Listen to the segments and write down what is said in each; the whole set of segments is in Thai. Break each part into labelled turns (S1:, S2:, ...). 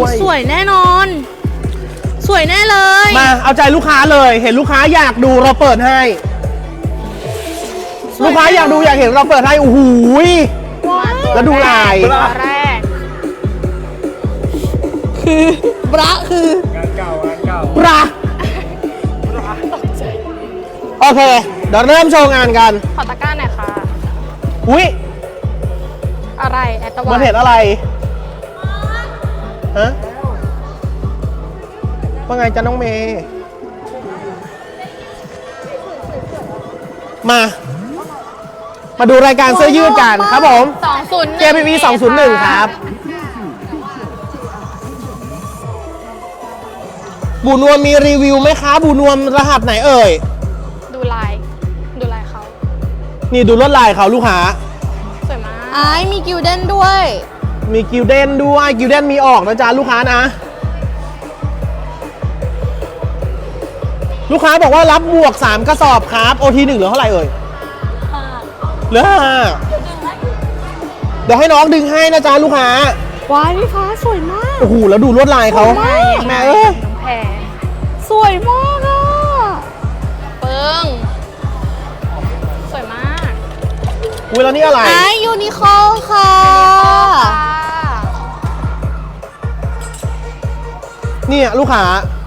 S1: ด้วย
S2: สวยแน่นอน สวยแน่เลย
S1: มาเอาใจลูกค้าเลย เห็นลูกค้าอยากดูเราเปิดให้ ลูกค้าอยากดูอยากเห็นเราเปิดให้โอ้โหแล้วดูลาย
S2: ตัวแรกคือบระคือง
S3: านเก่างานเก่า
S1: ปลาโอเค เดี๋ยวเริ่มโชว์งานกัน
S2: ขอตะกร้าหน่อยค่ะ
S1: อุ้ย
S2: อะไรแอตตะวั
S1: มัน นเห็นอะไรฮะว่าไงจ๊ะน้องเมย์มาดูรายการเสื้อยืดกันครับผม
S2: 201
S1: JPV 201 ครับ บูนวมมีรีวิวไหมคะบูนวมรหัสไหนเอ่ย
S2: ดูลายเขา
S1: นี่ดูลวดลายเขาลูกค้า
S2: สวยมากมีกิลเด้นด้วย
S1: มีกิลเด้นด้วยกิลเด้นมีออกนะจ๊ะลูกค้านะ ลูกค้าบอกว่ารับบวก 3 กระสอบครับ OT 1เหลือเท่าไหร่เอ่ยเหลือ5เดี๋ยวให้น้องดึงให้นะจ๊ะลูกค้า
S2: ว้ายพี่ฟ้าสวยมาก
S1: โอ้โหแล้วดูลวดลายเขาแม่เอ้ย
S2: น้องแพรสวยมากอ่ะเปิ้งสวยมาก
S1: อุ้ยแล้วนี่อะไร
S2: ยูนิคอลค่ะ
S1: เนี่ยลูกค้า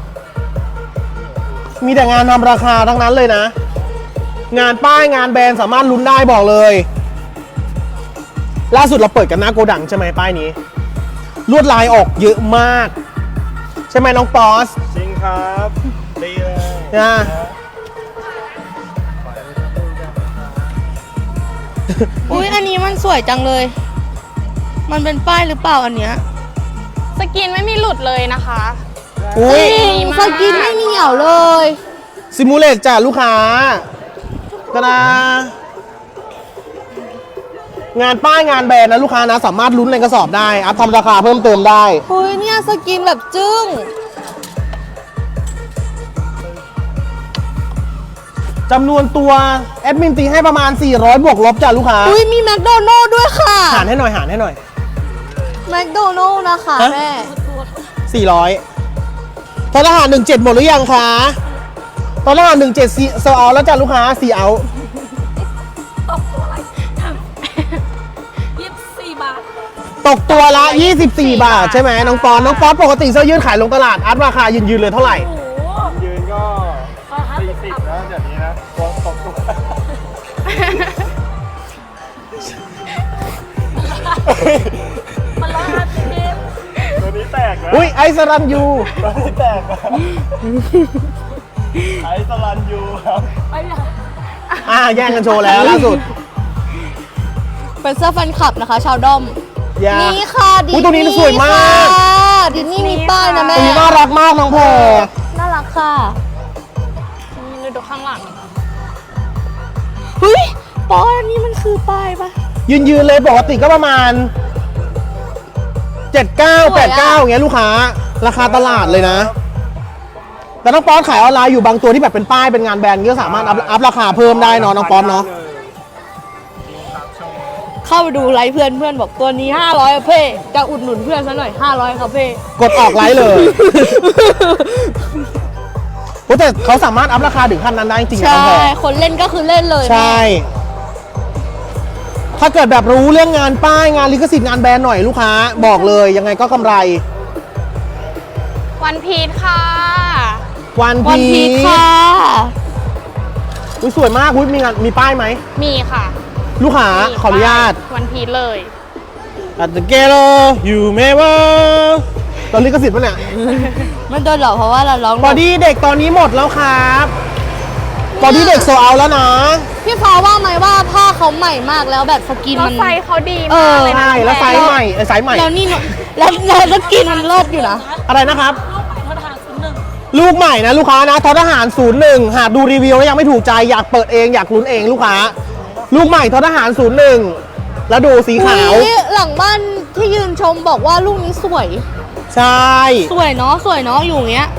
S1: มีแต่งานทำราคาทั้งนั้นเลยนะ งานป้ายงานแบรนด์สามารถลุ้นได้บอกเลย ล่าสุดเราเปิดกันหน้าโกดังใช่ไหมป้ายนี้ ลวดลายออกเยอะมาก ใช่ไหมน้องปอส
S3: จริงครับดีเลย
S1: นะ
S2: อุ้ยอันนี้มันสวยจังเลย มันเป็นป้ายหรือเปล่าอันเนี้ยสกินไม่มีหลุดเลยนะคะ
S1: อุ้ย
S2: สกินไม่เหนียวเลย
S1: ซิมูเลตจ้ะลูกค้าก็นะงานป้ายงานแบรนด์นะลูกค้านะสามารถลุ้นในกระสอบได้อัพทำราคาเพิ่มเติมได้
S2: อุ้ยเนี่ยสกินแบบจึ้ง
S1: จำนวนตัวแอดมินตีให้ประมาณ 400 บวกลบจ้ะลูกค้า
S2: อุ้ยมีแมคโดนัลด์ด้วยค่ะ
S1: หารให้หน่อยหารให้หน่อย
S2: แมคโดนัลด์นะคะ
S1: ฮะ
S2: แม่
S1: 400ทหาร17หมดหรือยังคะทหาร17โซเอาแล้วจ้ะลูกค้า4เอา
S2: 24 บาท
S1: ตกตัวละ 24 บาทใช่ไหมน้องปอนปกติเสื้อยืดขายลงตลาดอัพราคายืนเลยเท่าไหร่
S3: ยืนก็40นะเดี๋ยวนี้นะตัวตกตัวตัวนี้แตกนะ
S1: อุ้ยไอซ์รันยู
S3: ตัวนี้แตกนะไอซ์สลันยูครับ
S1: แย่งกันโชว์แล้วล่าสุด
S2: เป็นเสื้อแฟนคลับนะคะ ชาวด้อม
S1: อย่า
S2: นี่ค่ะดิ
S1: อุ๊ยตัวนี้สวยมาก
S2: ดิสนี่มีป้ายนะแม่
S1: ตัวนี้น่ารักมากน้องแพร
S2: น่ารักค่ะนี่ดูข้างหลังเฮ้ยป้ายอันนี้มันคือป้ายปะ
S1: ยืนเลยปกติก็ประมาณ 79 89อย่างเงี้ยลูกค้าราคาตลาดเลยนะ แต่น้องป๊อตขายออนไลน์อยู่บางตัวที่แบบเป็นป้ายเป็นงานแบรนด์ก็สามารถอัพราคาเพิ่มได้เนาะน้องป๊อตเนาะ
S2: เข้าไปดูไลฟ์เพื่อนบอกตัวนี้500อะเพ่จะอุดหนุนเพื่อนซะหน่อย500ครับเพ่
S1: กดออกไลน์เลยโอ้แต่เขาสามารถอัพราคาถึงขั้นนั้นได้จริงๆนะ
S2: ใช่
S1: น้องแพร
S2: คนเล่นก็คือเล่นเลย
S1: ใช่ ถ้าเกิดแบบรู้เรื่องงานป้ายงานลิขสิทธิ์งานแบรนด์หน่อยลูกค้าบอกเลยยังไงก็กำไร
S2: วันพีชค่ะ
S1: วัน
S2: วัน
S1: พี
S2: พีช
S1: ช
S2: ค่ะ
S1: อุ๊ยสวยมากอุ๊ยมีงานมีป้ายไหม
S2: มีค่ะ
S1: ลูกค้าขออนุญาต
S2: วันพีชเลย
S1: At the ghetto you may w ตอนลิขสิทธิ์ปะเนี่ย
S2: ไม่โดนหรอกเพราะว่าเราร้อง
S1: บอดี้เด็กตอนนี้หมดแล้วครับบอดี้เด็กโซเอาแล้วนะ
S2: พี่ฟ้าว่าไหมว่าผ้าเขาใหม่มากแล้วแบบสกินมัน
S4: ไซส์เขาดี
S2: เอ
S4: มาก
S2: อ
S4: เลยนะ
S1: ใช่แล้วไซส์ใหม่ไซส์ใหม่
S2: แล้วนี่แล้วสกินมันเลิศอยู่นะ
S1: อะไรนะครับ ลูกใหม่นะลูกค้านะททหาร 01 หากดูรีวิวแล้วยังไม่ถูกใจอยากเปิดเองอยากลุ้นเองลูกค้า ลูกใหม่ททหาร 01 แล้วดูสีขาว
S2: อุ๊ยหลังบ้านที่ยืนชมบอกว่าลูกนี้สวย
S1: ใช่
S2: สวยเนาะอยู่อย่างเงี้ย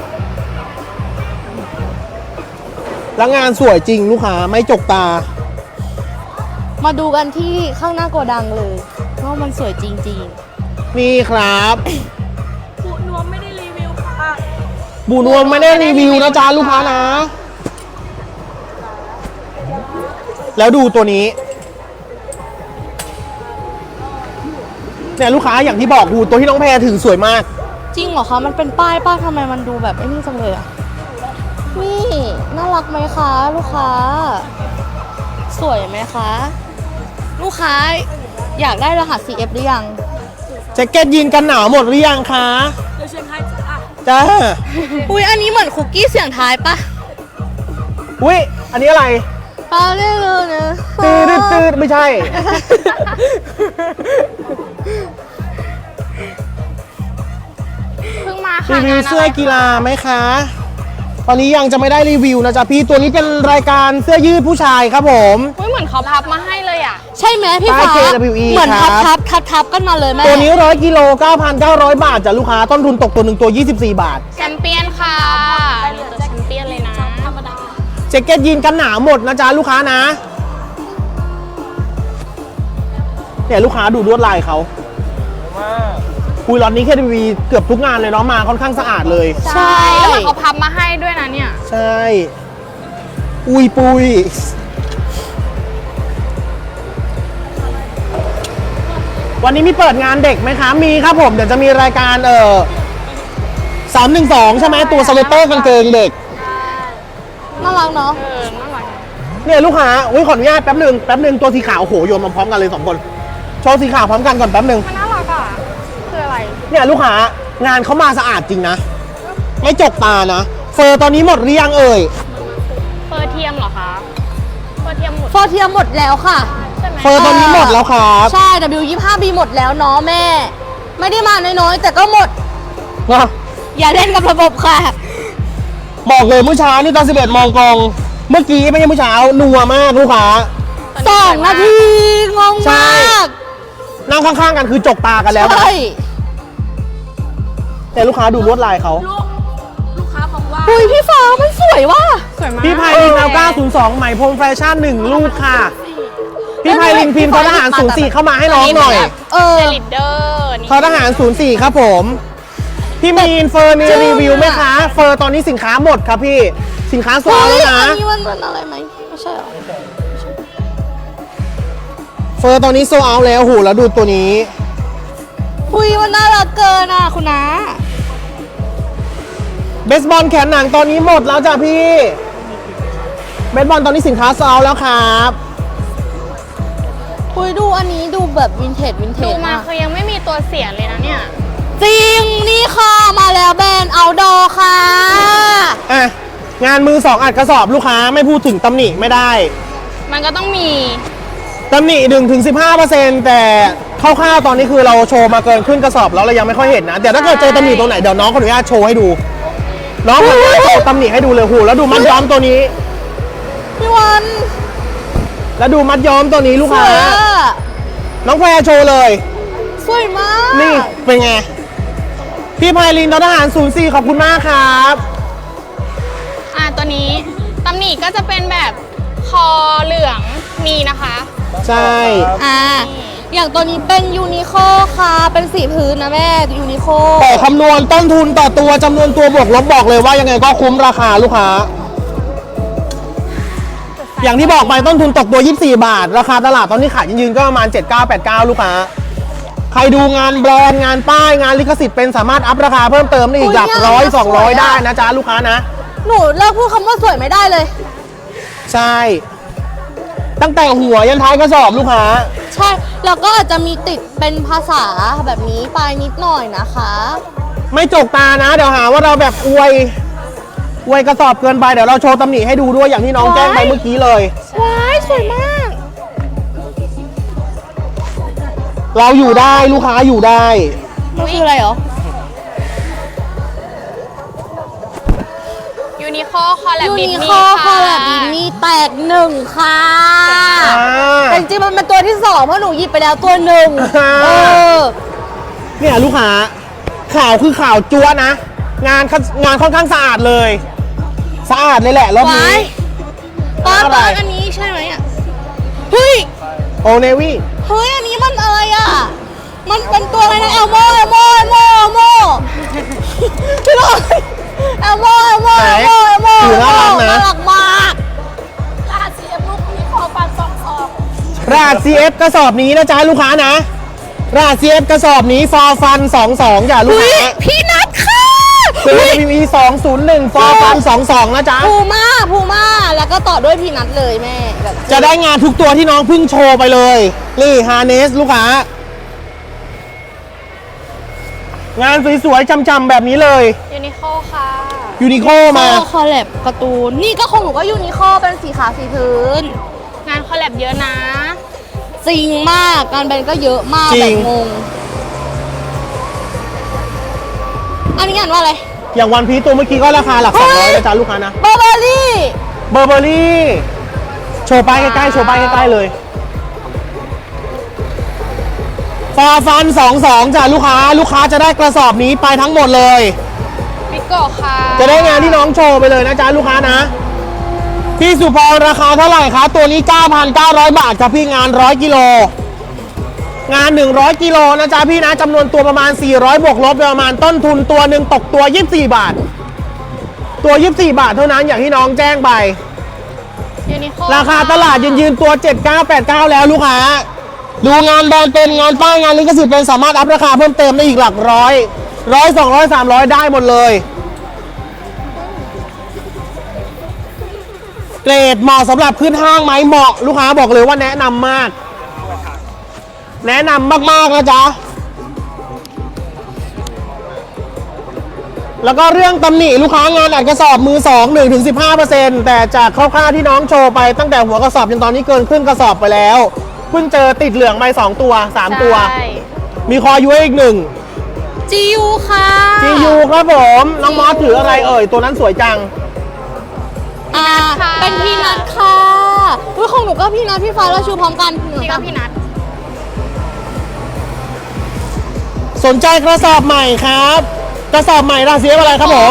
S1: แล้วงานสวยจริงลูกค้าไม่จกตา
S2: มาดูกันที่ข้างหน้าโกดังเลยว่ามันสวยจริง
S1: นี่ครับ
S4: นว
S1: บูนวมไม่ได้รีวิวนะจ๊ะลูกค้านะ แล้วดูตัวนี้เนี่ยลูกค้าอย่างที่บอกดูตัวที่น้องแพรถือสวยมาก
S2: จริงเหรอคะมันเป็นป้ายป้าทำไมมันดูแบบไอ้นี่จังเลยอะนี่น่ารักไหมคะลูกค้า สวยไหมคะ ลูกค้าอยากได้รหัส CF หรือยัง
S1: แจ็คเก็ตยีนกันหนาวหมดหรือยังคะจ้า
S2: อุ้ยอันนี้เหมือนคุกกี้เสียงท้ายปะ
S1: อุ้ยอันนี้อะไร
S2: ปาเล่เลยนะ
S1: ตืดไม่ใช่
S2: เพิ่งมา
S1: รี
S2: ค่ะ
S1: วิวเสื้อกีฬาไหมคะ ตอนนี้ยังจะไม่ได้รีวิวนะจ๊ะพี่ตัวนี้เป็นรายการเสื้อยืดผู้ชายครับผม
S2: อุ้ยเหมือนเขาพับมาให้เลยอ่ะ ใช่ไหมพี่ฟ้า
S1: ป้าย KWE
S2: เหมือน
S1: ครับ
S2: ทับกันมาเลยแม่
S1: ตัวนี้100กิโล 9,900 บาทจ้ะลูกค้าต้นทุนตกตัวหนึ่งตัว 24 บาท
S2: แชมเปี้ยนค่ะนี่ตัวแชมเปี้ยนเลยนะธรรมดา
S1: แจ็คเก็ตยีนกันหนาวหมดนะจ๊ะลูกค้านะเนี่ยลูกค้าดูลวดลายเขา
S3: มาก
S1: คุยล็อตนี้ KTV เกือบทุกงานเลยเนาะมาค่อนข้างสะอาดเลย
S2: ใช่แล้วเหมือนเขาพับมาให้ด้วยนะเนี่ย
S1: ใช่ อุยปุยวันนี้มีเปิดงานเด็กไหมคะ มีครับผม เดี๋ยวจะมีรายการ312 ใช่ไหมตัวสเวตเตอร์กางเกงเด็ก
S2: น่ารักเนาะน่ารัก
S1: เนี่ยลูกค้าอุ้ยขออนุญาตแป๊บหนึ่งตัวสีขาวโอ้โหโยนมาพร้อมกันเลย2คนโชว์สีขาวพร้อมกันก่อนแป๊บหนึ่ง
S2: มันน่ารักอ่ะคืออะไร
S1: เนี่ยลูกค้างานเขามาสะอาดจริงนะ ไม่จกตานะ เฟอร์ตอนนี้หมดหรือยังเอ่ย
S2: เฟอร์เทียมเหรอคะเฟอร์เทียมหมดแล้วค่ะใช่ไหม
S1: เฟอร์ตอนนี้หมดแล้วครับ
S2: ใช่ W25B หมดแล้วเนาะแม่ ไม่ได้มาน้อยๆแต่ก็หมด
S1: นะ
S2: อย่าเล่นกับระบบค่ะ
S1: บอกเลยเมื่อเช้านี่ตอน11 มองกอง เมื่อกี้ไม่ใช่เมื่อเช้านัวมากลูกค้า
S2: 2 นาทีงง
S1: ใช่
S2: มาก
S1: นั่งข้างๆกันคือจกตากันแล้วนะ
S2: ใช่
S1: แต่ลูกค้าดูลวดลายเขา
S2: อุ้ยพี่ฟ้ามันสวยว่ะสวยมาก
S1: พี่ไพลินเอา902 ใหม่พรมแฟชั่น 1 ลูกค่ะ พี่ไพลินพิมพ์ททหาร 04 เข้ามาให้น้องหน่อย
S2: ลิดเดอร์นี่
S1: ททหาร 04 ครับผม พี่มีนเฟอร์มีรีวิวไหมคะ เฟอร์ตอนนี้สินค้าหมดครับพี่ สินค้าโซล
S2: เฮ้
S1: แล้ว
S2: ย
S1: นะ
S2: อันนี้มันเหมือนอะไรไหมไม่ใช่หรอ
S1: เฟอร์ตอนนี้โซลแล้วโหแล้วดูตัวนี้
S2: อุ้ยมันน่ารักเกินอ่ะคุณน้า
S1: เบสบอลแขนหนังตอนนี้หมดแล้วจ้ะพี่ เบสบอลตอนนี้สินค้าโซลแล้วครับ
S2: อุ้ยดูอันนี้ดูแบบวินเทจดูมาคือยังไม่มีตัวเสียเลยนะเนี่ย จริง นี่ค่ะ มาแล้วแบรนด์เอาดอค่ะ
S1: อ่ะ งานมือ 2 อัดกระสอบลูกค้าไม่พูดถึงตำหนิไม่ได้
S2: มันก็ต้องมี
S1: ตำหนิ 1-15% แต่คร่าวๆตอนนี้คือเราโชว์มาเกินครึ่งกระสอบแล้วเรายังไม่ค่อยเห็นนะเดี๋ยวถ้าเกิดเจอตำหนิตรงไหนเดี๋ยวน้องขออนุญาตโชว์ให้ดู น้องขออนุญาตโชว์ตำหนิให้ดูเลยหูแล้วดูมัดย้อมตัวนี้
S2: พี่วัน
S1: แล้วดูมัดย้อมตัวนี้ลูก
S2: ส
S1: ค้า
S2: วยอ่ะ
S1: น้องแพรโชว์เลย
S2: สวยมาก
S1: นี่เป็นไง พี่ไพลินททหาร 04 ขอบคุณมากครับ
S2: ตัวนี้ตำหนิก็จะเป็นแบบคอเหลืองมีนะคะ
S1: ใช่
S2: อย่างตัวนี้เป็นยูนิโคค่ะ เป็นสีพื้นนะแม่ยูนิโค
S1: แต่คำนวณต้นทุนต่อตัวจำนวนตัวบวกลบบอกเลยว่ายังไงก็คุ้มราคาลูกค้า อย่างที่บอกไปต้นทุนตกตัว 24 บาท ราคาตลาดตอนนี้ขายยืนๆก็ประมาณ 79-89 ลูกค้า ใครดูงานแบรนด์งานป้ายงานลิขสิทธิ์เป็นสามารถอัพราคาเพิ่มเติมได้อีกหลัก100-200 ได้นะจ๊ะลูกค้านะ
S2: หนูเลิกพูดคำว่าสวยไม่ได้เลย
S1: ใช่ ตั้งแต่หัวยันท้ายกระสอบลูกค้า
S2: ใช่ แล้วก็อาจจะมีติดเป็นภาษาแบบนี้ไปนิดหน่อยนะคะ
S1: ไม่จกตานะ เดี๋ยวหาว่าเราแบบอวยกระสอบเกินไปเดี๋ยวเราโชว์ตำหนิให้ดูด้วยอย่างที่น้องแจ้งไปเมื่อกี้เลย
S2: ว้ายสวยมาก
S1: เราอยู่ได้ลูกค้าอยู่ได้
S2: มันคืออะไรเหรอ ยูนิโคคอลแลบดิสนีย์คอลแลบดิสนีย์แตก1ค่ะแต่จริงๆมันเป็นตัวที่2เพราะหนูหยิบไปแล้วตัวหนึ่ง
S1: เนี่ยลูกค้าข่าวคือข่าวจั๊วนะ งานค่อนข้างสะอาดเลย สะอาดเลยแหละรอบนี้
S2: ป้าอันนี้ใช่ไหมอ่ะ เฮ้ย
S1: โอเนวี่
S2: เฮ้ย อันนี้มันอะไรอ่ะ มันเป็นตัวอะไรนะ เอลโมพี่ลอยเอลโม
S1: CF กระสอบนี้นะจ๊ะลูกค้านะรหัส CF กระสอบนี้ฟอร์ฟัน22จ้ะลูก
S2: อุ้ย
S1: ค้า
S2: พี่นัทค่ะ
S1: เป็น PV 201ฟอร์ฟัน22นะจ๊ะ
S2: พูม่าแล้วก็ต่อด้วยพี่นัทเลยแม่แบบ
S1: จะได้งานทุกตัวที่น้องเพิ่งโชว์ไปเลยนี่ฮาร์เนสลูกค้า งานสวยๆจำๆแบบนี้เลย
S2: ยูนิโคค่ะ
S1: ยูนิโคมา
S2: คอลแลบการ์ตูนนี่ก็ของหนูก็ยูนิโคเป็นสีขาวสีพื้น งานคอลแลบเยอะนะจริงมากงานแบรนด์ก็เยอะมาก
S1: จริ
S2: แบ
S1: ง
S2: บงงอันนี้งานว่าอะไร
S1: อย่างวันพีตัวเมื่อกี้ก็ราคาหลัก200นะจ๊ะลูกค้านะ
S2: เบอร์เบอรี่
S1: เบอร์เบอรี่โชว์ป้ายใกล้ๆโชว์ป้ายใกล้ๆเลยฟอร์ฟัน22จ้ะลูกค้าจะได้กระสอบนี้ไปทั้งหมดเลย
S2: ปิโกค่ะ
S1: จะได้งานที่น้องโชว์ไปเลยนะจ๊ะลูกค้านะพี่สุพรราคาเท่าไหร่คะตัวนี้ 9,900 บาทครับพี่งาน100กิโลงาน100กิโลนะจ๊ะพี่นะจำนวนตัวประมาณ400บวกลบประมาณต้นทุนตัวหนึ่งตกตัว24บาทตัว24บาทเท่านั้นอย่างที่น้องแจ้งไป
S2: ยูนิโค
S1: ราคาตลาดยืนตัว 7989 แล้วลูกค้าดูงานแบรนด์เป็นงานป้ายงานลิขสิทธิ์เป็นสามารถอัพราคาเพิ่มเติมได้อีกหลักร้อย200 300ได้หมดเลยเกรดเหมาะสำหรับขึ้นห้างไหมเหมาะลูกค้าบอกเลยว่าแนะนำมาก แนะนำมากๆนะจ๊ะแล้วก็เรื่องตำหนิลูกค้างานอัดกระสอบมือ 2 1-15% แต่จากคร่าวๆที่น้องโชว์ไปตั้งแต่หัวกระสอบจนตอนนี้เกินครึ่งกระสอบไปแล้วเพิ่งเจอติดเหลืองไป2ตัว3ตัว มีคอยุ้ยอีก1
S2: จียูค่ะ
S1: GU ครับผมน้องมอสถืออะไรเอ่ยตัวนั้นสวยจัง
S2: เป็นพี่นัทค่ะอุ้ยของหนูก็พี่นัทพี่ฟ้าเราชูพร้อมกันพี่ก็พี่นัท
S1: สนใจกระสอบใหม่ครับกระสอบใหม่ราศีอะไรครับผม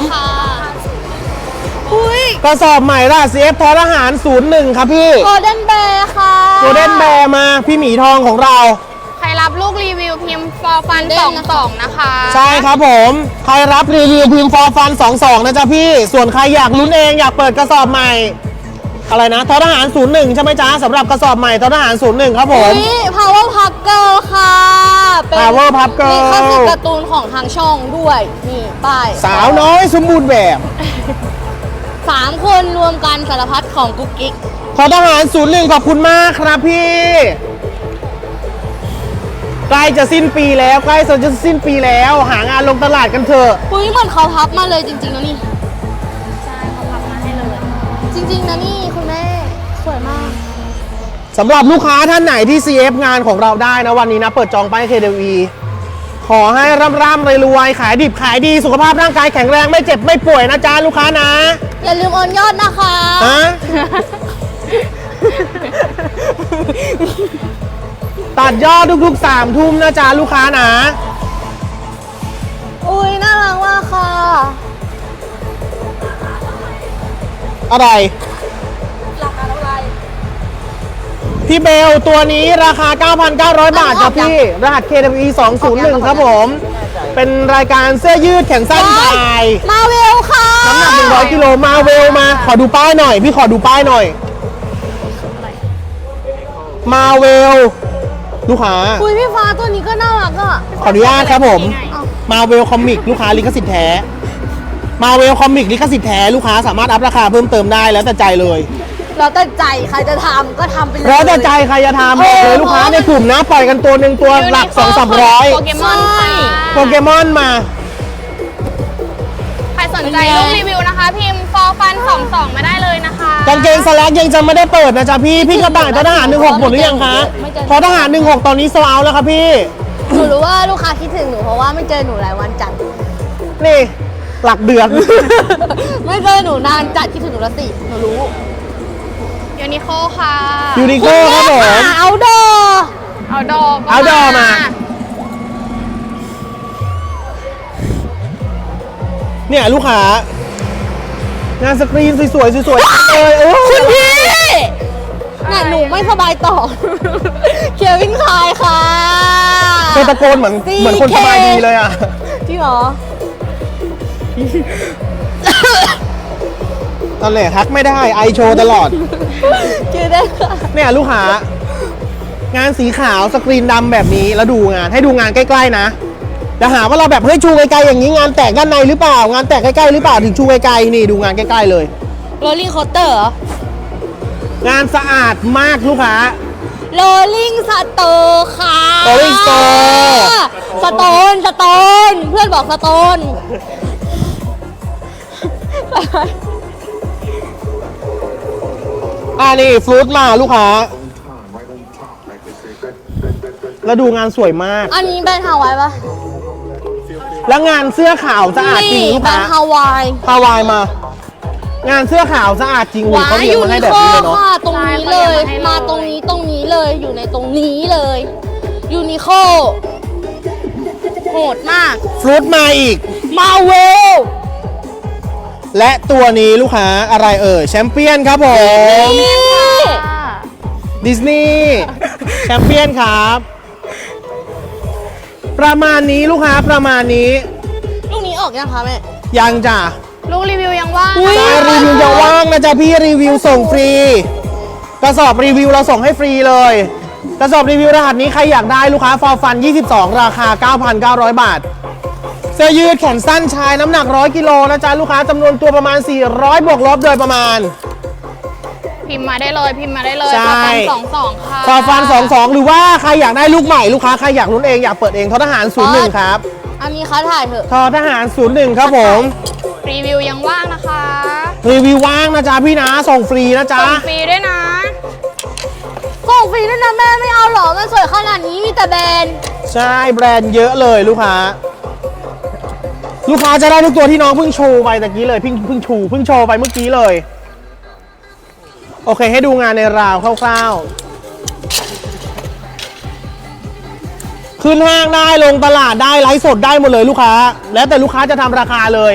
S2: อุ้ย
S1: กระสอบใหม่ราศีทอทหาร01ครับพี่
S2: โกลเด้นแบร์ค่ะ
S1: โกลเด้นแบร์มาพี่หมีทองของเรา
S2: ใครรับลูกรีวิวพิมพ์ฟอร์ฟัน22นะคะ
S1: ใช่ครับผมใครรับรีวิวพิมพ์ฟอร์ฟัน22นะจ๊ะพี่ส่วนใครอยากลุ้นเองอยากเปิดกระสอบใหม่อะไรนะทอทหาร01ใช่ไหมจ๊ะสำหรับกระสอบใหม่ทอทหาร01ครับผม
S2: นี่ Power Pup Girl ค่ะ
S1: Power Pup Girl
S2: นี่เข้าสู่การ์ตูนของทางช่องด้วยนี่ป้าย
S1: สาวน้อยสมบูรณ์แบบ
S2: 3 คนรวมกันสารพัดของกุ๊กกิ๊ก
S1: ทอทหาร01ขอบคุณมากครับพี่ใกล้จะสิ้นปีแล้วใกล้จะสิ้นปีแล้วหางานลงตลาดกันเถอะ
S2: อุ้ยเหมือนเขาพับมาเลยจริงๆนะนี่ใช่เขาพับมาให้เลยจริงๆนะนี่คุณแม่สวยมาก
S1: สำหรับลูกค้าท่านไหนที่ CF งานของเราได้นะวันนี้นะเปิดจองป้าย KDV ขอให้ร่ำรวยๆขายดิบขายดีสุขภาพร่างกายแข็งแรงไม่เจ็บไม่ป่วยนะจ๊ะลูกค้านะ
S2: อย่าลืมโอนยอดนะคะ
S1: ฮะ ตัดยอดทุกๆ3 ทุ่มนะจ๊ะลูกค้านะ
S2: อุ้ยน่ารักมากค่ะ
S1: อะไร
S2: ราคาเท่าไหร่
S1: พี่เบลตัวนี้ราคา 9,900 บาทครับพี่ รหัส KWE 201ครับผม เป็นรายการเสื้อยืดแขนสั้นชาย
S2: มาเวลค่ะ
S1: น้ำหนัก100กิโลมาเวลมา ขอดูป้ายหน่อย พี่ขอดูป้ายหน่อย มาเวล ลูกค้า
S2: อุ้ยพี่ฟ้าตัวนี้ก็น่ารักอ่ะ
S1: ขออนุญาตครับผม มาเวลคอมิกลูกค้าลิขสิทธิ์แท้ มาเวลคอมิกลิขสิทธิ์แท้ลูกค้าสามารถอัพราคาเพิ่มเติมได้แล้วแต่ใจเลย
S2: แล้วแต่ใจใครจะทำก็ทำไปเลย
S1: แล้วแต่ใจใครจะทำบอกเลยลูกค้าในกลุ่มนะปล่อยกันตัวหนึ่งตัวหลัก
S2: โปเก
S1: 200-300
S2: มอนค่ะ
S1: โปเกมอนมา
S4: ใครสนใจรูปรีวิวนะคะ พิมพ์ฟอร์ฟัน22มาได้เลยนะคะ
S1: กางเกงสแลกยังจะไม่ได้เปิดนะจ๊ะพี่กระต่ายทหาร16หมดหรือยังคะทอทหาร16ตอนนี้โซเอาแล้วครับพี่
S2: หนูรู้ว่าลูกค้าคิดถึงหนูเพราะว่าไม่เจอหนูหลายวันจัด
S1: นี่หลักเดือน
S2: ไม่เจอหนูนานจัดคิดถึงหนูละสิหนูรู้
S4: ยูนิโคค่ะ
S1: ยูนิโคครับผม
S2: เอาดอ
S4: เอาดอก
S1: เอาดอมา เนี่ยลูกค้างานสกรีนสวยๆสวยๆเลยโอ้
S2: คุณพี่น่ะหนูไม่สบายต่อ เควินคายค่ะ
S1: เธอตะโกนเหมือนคนสบายดีเลยอ่ะ
S2: จริงเหรอ
S1: ตอนแรกทักไม่ได้ไอโชว์ตลอด
S2: เจอได้ค่ะ
S1: เนี่ยลูกค้างานสีขาวสกรีนดำแบบนี้แล้วดูงานให้ดูงานใกล้ๆนะจะหาว่าเราแบบเฮ้ยชูไกลๆอย่างนี้งานแตกด้านในหรือเปล่างานแตกใกล้ๆหรือเปล่าถึงชูไกลๆนี่ดูงานใกล้ๆเลย
S2: โรลลิ่งโคสเตอร์เหรอ
S1: งานสะอาดมากลูกค้า
S2: โรลลิ่งสโตร์ค่ะ
S1: Rolling Store
S2: สโตนเพื่อนบอกสโตน
S1: นี่ฟลุตมาลูกค้าแล้วดูงานสวยมาก
S2: อันนี้แบรนด์ฮาวายปะ
S1: แล้วงานเสื้อขาวสะอาดจริง
S2: นี่
S1: ลูก
S2: แบร
S1: ค้าน
S2: ด์ฮาวาย
S1: ฮาวายมา งานเสื้อขาวสะอาดจริงหุ่นเขาเรียงมาให้แบบนี้เลยเนาะ
S2: ค่ะตรงนี้เลย มาตรงนี้เลยอยู่ในตรงนี้เลยยูนิโคโหดมาก
S1: ฟลุตมาอีก
S2: มาเวล
S1: และตัวนี้ลูกค้าอะไรแชมเปี้ยนครับผม
S2: นี่
S1: ดิสนีย์แชมเปี้ยนครับ ประมาณนี้ลูกค้าประมาณนี้
S2: ลูกนี้ออกยังคะแม่
S1: ยังจ้ะ
S4: ลูกรีวิวยังว่าง
S2: อุ๊ย
S1: ใช่รีวิวยังว่างนะจ๊ะพี่รีวิวส่งฟรี กระสอบรีวิวเราส่งให้ฟรีเลย กระสอบรีวิวรหัสนี้ใครอยากได้ลูกค้าฟอร์ฟัน 22 ราคา 9,900 บาท เสื้อยืดแขนสั้นชายน้ำหนัก 100 กิโลนะจ๊ะลูกค้าจำนวนตัวประมาณ 400 บวกลบโดยประมาณ
S4: พิมพ์มาได้เลยพิมพ์มาได้เลย
S1: ใช่
S4: 22ค่ะ
S1: ฟอร์ฟัน 22 หรือว่าใครอยากได้ลูกใหม่ลูกค้าใครอยากลุ้นเองอยากเปิดเองททหาร 01 ครับ
S2: อันนี้เขาถ่ายเถอะ
S1: ททหาร 01 ครับผม
S4: รีวิวยังว่างนะคะ
S1: รีวิวว่างนะจ๊ะพี่นะส่งฟรีนะจ๊ะ
S4: ส่งฟรีด้วยนะ
S2: ส่งฟรีด้วยนะแม่ไม่เอาหรอ มันสวยขนาดนี้มีแต่แบรนด์
S1: ใช่แบรนด์เยอะเลยลูกค้า ลูกค้าจะได้ทุกตัวที่น้องเพิ่งโชว์ไปตะกี้เลยเพิ่งโชว์ไปเมื่อกี้เลย โอเคให้ดูงานในราวคร่าวๆขึ้นห้างได้ลงตลาดได้ไลฟ์สดได้หมดเลยลูกค้า แล้วแต่ลูกค้าจะทำราคาเลย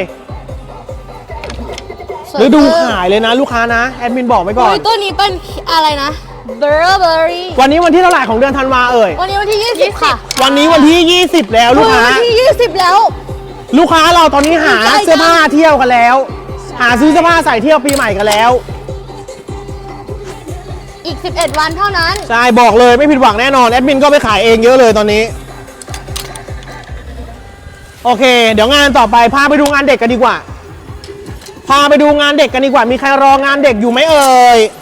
S1: หรือดูขายเลยนะลูกค้านะแอดมินบอกไว้ก่อน
S2: เฮ้ยตัวนี้เป็นอะไรนะเบอร์เบอรี่
S1: วันนี้วันที่เท่าไหร่ของเดือนธันวาเอ่ย
S2: วันนี้วันที่ 20 ค่ะ
S1: วันนี้วันที่ 20 แล้วลูกค้า
S2: วันที่ 20 แล้ว
S1: ลูกค้าเราตอนนี้หา
S2: ดีใจจัง
S1: เสื้อผ้าเที่ยวกันแล้ว หาซื้อเสื้อผ้าใส่เที่ยวปีใหม่กันแล้ว
S2: อีก 11 วันเท่านั้น
S1: ใช่บอกเลยไม่ผิดหวังแน่นอนแอดมินก็ไปขายเองเยอะเลยตอนนี้ โอเค เดี๋ยวงานต่อไปพาไปดูงานเด็กกันดีกว่า พาไปดูงานเด็กกันดีกว่ามีใครรองานเด็กอยู่ไหมเอ่ย